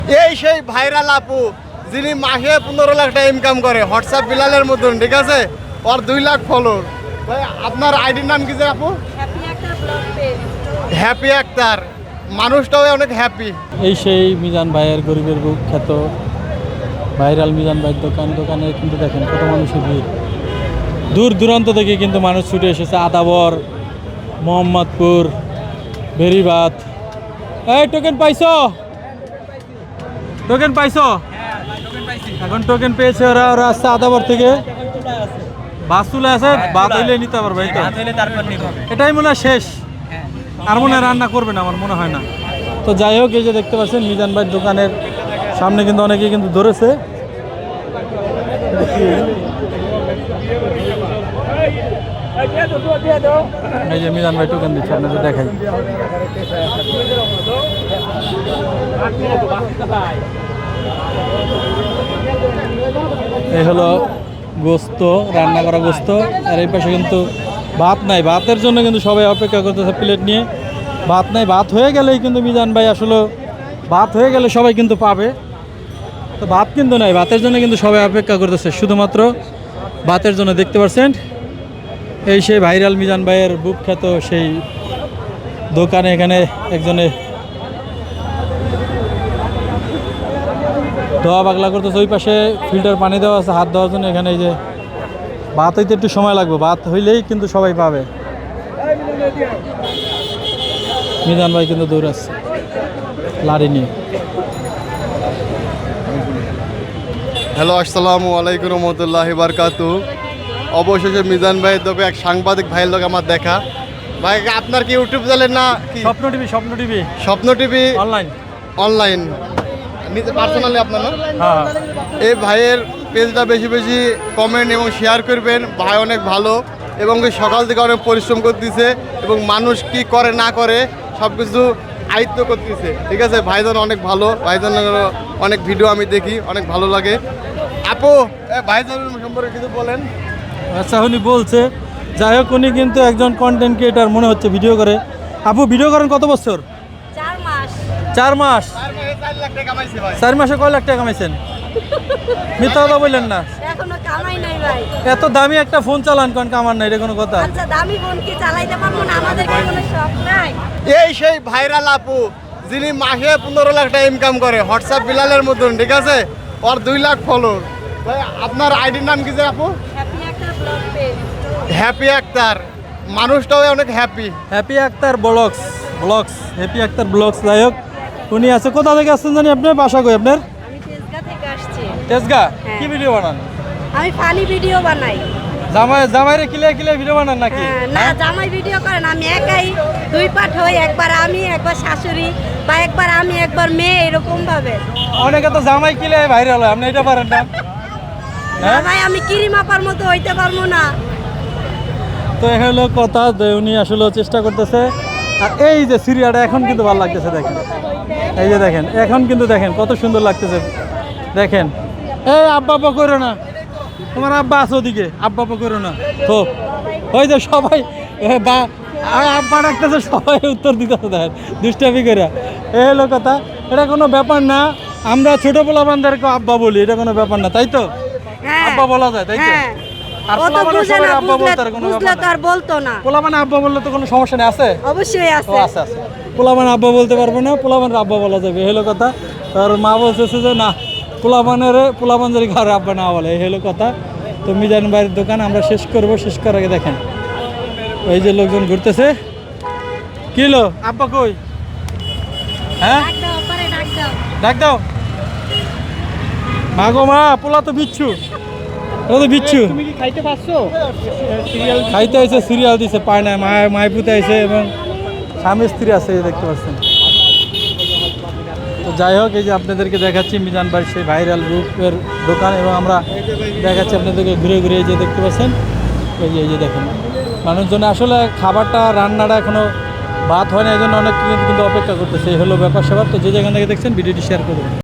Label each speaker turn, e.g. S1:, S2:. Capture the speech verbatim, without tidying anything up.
S1: এই সেই ভাইরাল আপু যিনি মাসে পনেরো লাখ টাকা ইনকাম করে হোয়াটসঅ্যাপ বিলালের মতন, ঠিক আছে? ওর দুই লাখ ফলোর। ভাই আপনার আইডির নাম কি যে আপু? হ্যাপি আক্তার। মানুষটাও অনেক হ্যাপি।
S2: এই সেই মিজান ভাইয়ের গরিবের বুক খ্যাত ভাইরাল মিজান ভাইয়ের দোকান। দোকানে কিন্তু দেখেন কত মানুষের ভিড়, দূর দূরান্ত থেকে কিন্তু মানুষ ছুটে এসেছে। আদাবর, মোহাম্মদপুর, বেরিবাত। এই টোকেন পাইছো? টোকেন পাইছো? এখন টোকেন পেয়েছে ওরা। ওরা আসছে আদাবর থেকে। বাস চলে আছে, বাদ হইলে নিতে পারবে। এটাই মনে হয় শেষ, আর মনে হয় রান্না করবে না আমার মনে হয় না। তো যাই হোক, এই যে দেখতে পাচ্ছেন মিজান ভাইয়ের দোকানের সামনে কিন্তু অনেকেই কিন্তু ধরেছে। এই যে মিজান ভাই টোকেন দিচ্ছে, আপনাদের দেখাই। এই হলো গোস্ত, রান্না করা গোস্ত। আর এই পাশে কিন্তু ভাত নাই, ভাতের জন্য কিন্তু সবাই অপেক্ষা করতেছে প্লেট নিয়ে। ভাত নাই, ভাত হয়ে গেলেই কিন্তু মিজান ভাই আসলে ভাত হয়ে গেলে সবাই কিন্তু পাবে। তো ভাত কিন্তু নাই, ভাতের জন্য কিন্তু সবাই অপেক্ষা করতেছে, শুধুমাত্র ভাতের জন্য। দেখতে পাচ্ছেন এই সেই ভাইরাল মিজান ভাইয়ের বুক খ্যাত সেই দোকানে এখানে একজনে ধোয়া পাগলা করতেছে। ওই পাশে ফিল্টার পানি দেওয়া আছে হাত দেওয়ার জন্য। এখানে এই যে ভাত হইতে একটু সময় লাগবে, ভাত হইলেই কিন্তু সবাই পাবে। মিজান ভাই কিন্তু দৌড়াচ্ছে লাড়ি নিয়ে।
S1: হ্যালো, আসসালামু আলাইকুম রহমতুল্লাহি বারকাতু। অবশেষে মিজান ভাইয়ের দোকানে এক সাংবাদিক ভাইয়ের লোক আমার দেখা। ভাই আপনার কি ইউটিউব চ্যানেল না কি?
S2: স্বপ্ন TV. Swapno TV
S1: Swapno TV
S2: online.
S1: Online নিজে পার্সোনালি আপনার না?
S2: হ্যাঁ।
S1: এই ভাইয়ের পেজটা বেশি বেশি কমেন্ট এবং শেয়ার করবেন। ভাই অনেক ভালো এবং সকাল থেকে অনেক পরিশ্রম করতেছে এবং মানুষ কি করে না করে সব কিছু আয়ত্ত করতেছে, ঠিক আছে? ভাইজান অনেক ভালো, ভাইজান অনেক ভিডিও আমি দেখি, অনেক ভালো লাগে। আপু ভাইজান সম্পর্কে কিছু বলেন।
S2: আচ্ছা, উনি বলছে, যাই হোক উনি কিন্তু একজন কন্টেন্ট ক্রিয়েটার মনে হচ্ছে, ভিডিও করে। আপু ভিডিও করেন কত বছর?
S3: চার মাস।
S2: চার মাস? চার মাসে কয় লাখ টাকা কামাইছেন? মিথ্যা কথা বললেন না।
S3: এখনো কামাই নাই ভাই।
S2: এত দামি একটা ফোন চালান কোন কামার নাই, এটা কোনো কথা?
S3: আচ্ছা, দামি ফোন কি চালাইতে পারবো না? আমাদের কি কোনো শখ নাই?
S1: এই সেই ভাইরাল আপু যিনি মাসে পনেরো লাখ টাকা ইনকাম করে হোয়াটসঅ্যাপ বিলালের মতন, ঠিক আছে? ওর দুই লাখ ফলোর। ভাই আপনার আইডির নাম কি যে আপু?
S3: Happy Akter blog page.
S1: Happy Akter. মানুষটাও অনেক happy.
S2: Happy Akter blogs. Blogs Happy Akter blogs. যাই হোক, উনি আছে। কোথা থেকে আসছেন জানি আপনার? বাসা কই আপনার?
S3: আমি তেজগাঁ থেকে আসছি।
S2: তেজগাঁ?
S3: হ্যাঁ।
S2: কি ভিডিও বানান?
S3: আমি ফানি ভিডিও বানাই।
S2: জামাই জামাইরে কিলে কিলে ভিডিও বানান নাকি?
S3: হ্যাঁ, না জামাই ভিডিও করেন, আমি একাই দুই পাঠ হই। একবার আমি, একবার শাশুড়ি, বা একবার আমি, একবার মেয়ে, এরকম ভাবে।
S2: অনেকে তো জামাই কিলে ভাইরাল হয়, আপনি এটা পারেন না?
S3: না
S2: হ্যাঁ?
S3: ভাই, আমি কিরিমাপার মতো হইতে পারবো না।
S2: তো এই হলো কথা, যে উনি আসলে চেষ্টা করতেছে। আর এই যে সিরিয়াটা এখন কিন্তু ভালো লাগতেছে, দেখেন। এই যে দেখেন, এখন কিন্তু দেখেন কত সুন্দর লাগতেছে। দেখেন, এই আব্বা আব্বা করো না, তোমার আব্বা আছে ওদিকে, আব্বা আব্বা করো না। তো ওই যে সবাই এ বা আ- আব্বা ডাকতেছে, সবাই উত্তর দিতেছে। দেখেন দুষ্টামি করে। এই হলো কথা, এটা কোনো ব্যাপার না। আমরা ছোট পোলাপানদেরকে আব্বা বলি, এটা কোনো ব্যাপার না, তাই তো?
S3: হ্যাঁ,
S2: আব্বা বলা যায়, তাই তো?
S3: হ্যাঁ।
S2: আর
S3: ও তো
S2: পোলাপানের
S3: বুঝে
S2: সবাই
S3: না,
S2: আব্বা
S3: বুঝলে
S2: বলতে আর কোনো
S3: বুঝলে
S2: ব্যাপার
S3: তো
S2: না।
S3: আর বলতো না।
S2: পোলাপানে আব্বা বললে তো কোনো সমস্যা নেই, আছে?
S3: অবশ্যই
S2: ও
S3: আছে।
S2: আচ্ছা আচ্ছা, পোলাপান আব্বা বলতে পারবে না, পোলাপানের আব্বা বলা যাবে, এই হলো কথা। আর মা বলছে যে না, পোলাপানের পোলাপান যদি ঘরে আব্বা না বলে, এই হলো কথা। তো মিজান ভাইয়ের দোকান আমরা শেষ করব। শেষ করার আগে দেখেন এই যে লোকজন ঘুরতেছে। কি হলো আব্বা কই? হ্যাঁ,
S3: ডাক দাও, পরে ডাক দাও।
S2: ডাক দাও। মা গো মা, পোলা তো বিচ্ছু, ও তো বিচ্ছু।
S4: তুমি কি খাইতে পারছো?
S2: খাইতে আইছে, সিরিয়াল দিছে, পায় না। মায় মায় পুতে আইছে এবং স্বামী স্ত্রী আছে, এই যে দেখতে পাচ্ছেন। তো যাই হোক, এই যে আপনাদেরকে দেখাচ্ছি মিজান ভাই সেই ভাইরাল রূপের দোকান, এবং আমরা দেখাচ্ছি আপনাদেরকে ঘুরে ঘুরে। এই যে দেখতে পাচ্ছেন, এই যে এই যে দেখেন মানুষজন আসলে খাবারটা রান্নাটা এখনো ভাত হয় না, এই জন্য অনেক কিন্তু অপেক্ষা করতেছে। এই হলো ব্যাপার স্যাপার। তো যে যেখান থেকে দেখছেন ভিডিওটি শেয়ার করুন।